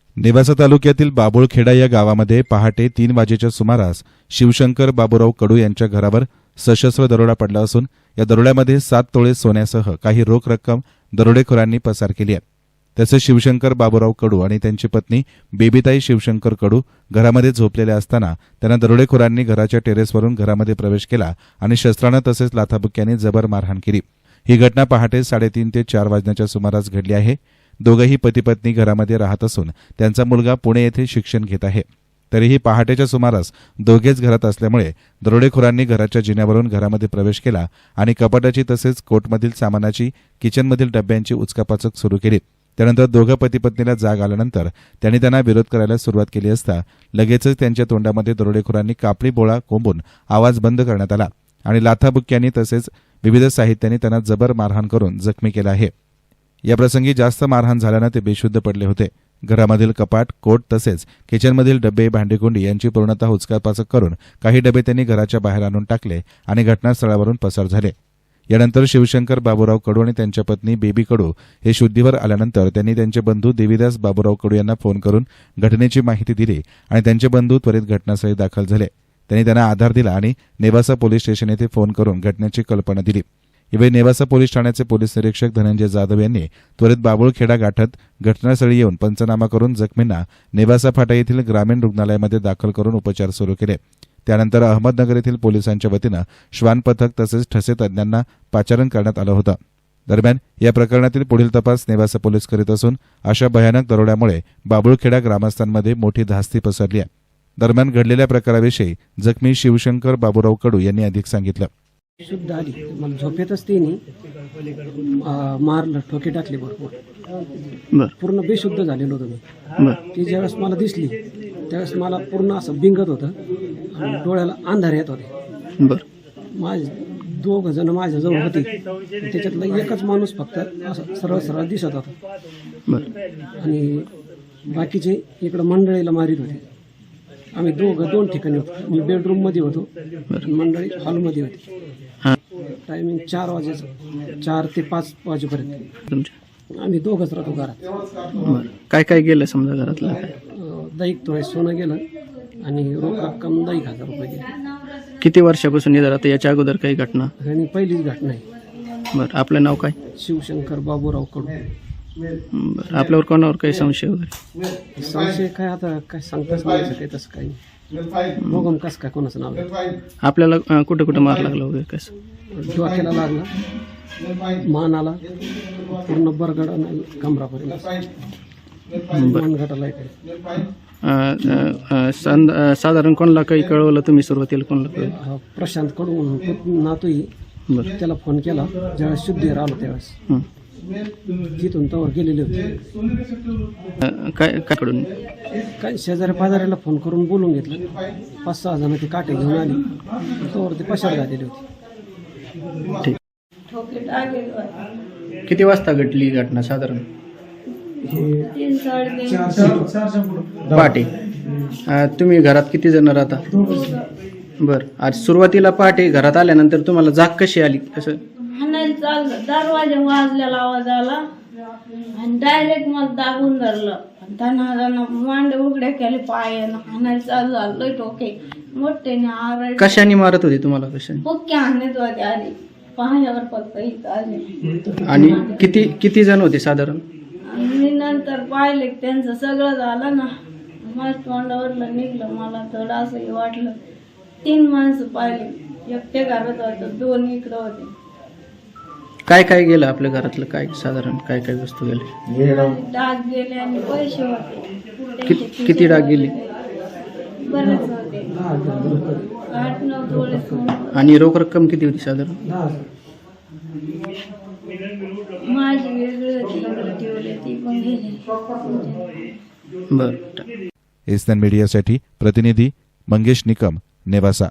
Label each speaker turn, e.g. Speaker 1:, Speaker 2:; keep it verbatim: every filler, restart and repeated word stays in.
Speaker 1: नेवासा तालुक्यातील बाबुळखेडा या गावामध्ये पहाटे तीन वाजेच्या सुमारास शिवशंकर बाबूराव कडू यांच्या घरावर सशस्त्र दरोडा पडला असून या दरोड्यामध्ये सात तोळे सोन्यासह काही रोख रक्कम दरोडेखोरांनी पसार केली आहे। तसेच शिवशंकर बाबूराव कडू आणि त्यांची पत्नी बेबीताई शिवशंकर कडू घरामध्ये झोपलेल्या असताना त्यांना दरोडेखोरांनी घराच्या टेरेसवरून घरामध्ये प्रवेश केला आणि शस्त्रानं तसेच लाथाबुक्क्यांनी जबर मारहाण केली। ही घटना पहाटे साडेतीन ते चार वाजण्याच्या सुमारास घडली आहे। दोघेही पती पत्नी घरामध्ये राहत असून त्यांचा मुलगा पुणे येथे शिक्षण घेत आहे। तरीही पहाटेच्या सुमारास दोघेच घरात असल्यामुळे दरोडेखोरांनी घराच्या जिन्यावरून घरामध्ये प्रवेश केला आणि कपाटाची तसेच कोटमधील सामानाची किचनमधील डब्यांची उचकापाचक सुरू केली। त्यानंतर दोघं पती पत्नीला जाग आल्यानंतर त्यांनी त्यांना विरोध करायला सुरुवात केली असता लगेचच त्यांच्या तोंडामध्ये दरोडेखोरांनी कापडी बोळा कोंबून आवाज बंद करण्यात आला आणि लाथाबुक्क्यांनी तसेच विविध साहित्यांनी त्यांना जबर मारहाण करून जखमी केला आहे। या प्रसंगी जास्त मारहाण झाल्यानं ते बेशुद्ध पडले होते। घरामधील कपाट, कोट तसेच किचनमधील डबे, भांडेकुंडी यांची पूर्णतः उचकापाचक करून काही डबे त्यांनी घराच्या बाहेर आणून टाकले आणि घटनास्थळावरून पसार झाले। यानंतर शिवशंकर बाबूराव कडू आणि त्यांच्या पत्नी बेबी कडू हे शुद्धीवर आल्यानंतर त्यांनी त्यांचे बंधू देवीदास बाबूराव कडू यांना फोन करून घटनेची माहिती दिली आणि त्यांचे बंधू त्वरित घटनास्थळी दाखल झाले। त्यांनी त्यांना आधार दिला आणि नेवासा पोलीस स्टेशन येथे फोन करून घटनेची कल्पना दिली। यावेळी नेवासा पोलीस ठाण्याचे पोलीस निरीक्षक धनंजय जाधव यांनी त्वरित बाबुळखेडा गाठत घटनास्थळी येऊन पंचनामा करून जखमींना नेवासा फाटा येथील ग्रामीण रुग्णालयामध्ये दाखल करून उपचार सुरू केले। त्यानंतर अहमदनगर येथील पोलिसांच्या वतीनं श्वान पथक तसेच ठसे तज्ञांना पाचारण करण्यात आलं होतं। दरम्यान या प्रकरणातील पुढील तपास नेवासा पोलीस करीत असून अशा भयानक दरोड्यामुळे बाबुळखेडा ग्रामस्थांमध्ये मोठी धास्ती पसरली आहे। दरम्यान घडलेल्या प्रकाराविषयी जखमी शिवशंकर बाबूराव कडू यांनी अधिक सांगितलं।
Speaker 2: शुद्ध आली मला झोपेतच तिने मारलं, ठोके टाकले भरपूर, पूर्ण बेशुद्ध झालेलो होतो मी। ती ज्यावेळेस मला दिसली त्यावेळेस मला पूर्ण असं बिंगत होतं आणि डोळ्याला अंधार येत होते। माझे दोघ जण माझ्या जवळ होते, त्याच्यातला एकच माणूस फक्त असं सरळ सरळ दिसत होता आणि बाकीचे इकडं मंडळीला मारित होते। आम्ही दोघं दोन ठिकाणी होतो, मी बेडरूम मध्ये होतो, मंडळी हॉलमध्ये होती। टायमिंग चार वाजेचं, चार ते पाच वाजेपर्यंत आम्ही दोघंच राहतो घरात।
Speaker 3: काय काय गेलं समजा घरातलं?
Speaker 2: दही थोडे सोनं गेलं आणि रोख रक्कम दही हजार रुपये गेले।
Speaker 3: किती वर्षापासून येत आता याच्या अगोदर काही घटना?
Speaker 2: आणि पहिलीच घटना आहे।
Speaker 3: बरं, आपलं नाव काय?
Speaker 2: शिवशंकर बाबूराव कडू।
Speaker 3: बरं, आपल्यावर कोणावर काही संशय वगैरे?
Speaker 2: संशय काय आता काय सांगताच नाही काही, तसं काही बघून कसं काय कोणाचं नाव?
Speaker 3: आपल्याला कुठं कुठं मार लागला वगैरे कसं?
Speaker 2: डोक्याला लागला, मानाला, पूर्ण बरगडा कमरापर्यंत, मनगटाला
Speaker 3: साधारण कोणाला काही कळवलं तुम्ही सुरुवातीला? कोणाला कळवलं?
Speaker 2: प्रशांत कडू म्हणून नातूही, त्याला फोन केला ज्यावेळेस शुद्धीवर आलो त्यावेळेस तिथून तवर गेलेले होते।
Speaker 3: काय काय कडून?
Speaker 2: काय शेजारी पाजाऱ्याला फोन करून बोलून घेतलं, पाच सहा जण ते काटे घेऊन आली, तवर ते पसार झालेले होते।
Speaker 3: ठीक। किती वाजता घडली घटना साधारण? पहाटे। तुम्ही घरात किती जण राहता? बर, आज सुरुवातीला पहाटे घरात आल्यानंतर तुम्हाला जाग कशी आली? कसं?
Speaker 4: दरवाजा वाजलेला आवाज आला आणि डायरेक्ट मला दाबून धरलं, त्यांना मांडे उघड्या केले, पायानं हाणायला चालू झालं, लय टोके मोठे आरड।
Speaker 3: कशाने मारत होते तुम्हाला? कशाने?
Speaker 4: पक्के हाणत होते आधी पायावर फक्त इथं आले।
Speaker 3: आणि किती किती जण होते साधारण?
Speaker 4: मी नंतर पाहिले त्यांचं सगळं झालं ना, माझ्या तोंडावरलं निघलं, मला थोडं असं वाटलं। तीन माणसं पाहिले, एकटे घरात होतं, दोन इकडं होते।
Speaker 3: काय काय गेलं आपल्या घरातलं? काय साधारण काय काय वस्तू गेले?
Speaker 4: डाग गेले आणि पैसे होते।
Speaker 3: कि, किती डाग गेले?
Speaker 4: बरेच होते, आठ नऊ तोळे सोनं।
Speaker 3: आणि रोख रक्कम किती होती साधारण?
Speaker 4: माझी वेगळी होती, ठेवले ती पण गेली।
Speaker 1: बरं। एसएन मीडियासाठी प्रतिनिधी मंगेश निकम, नेवासा।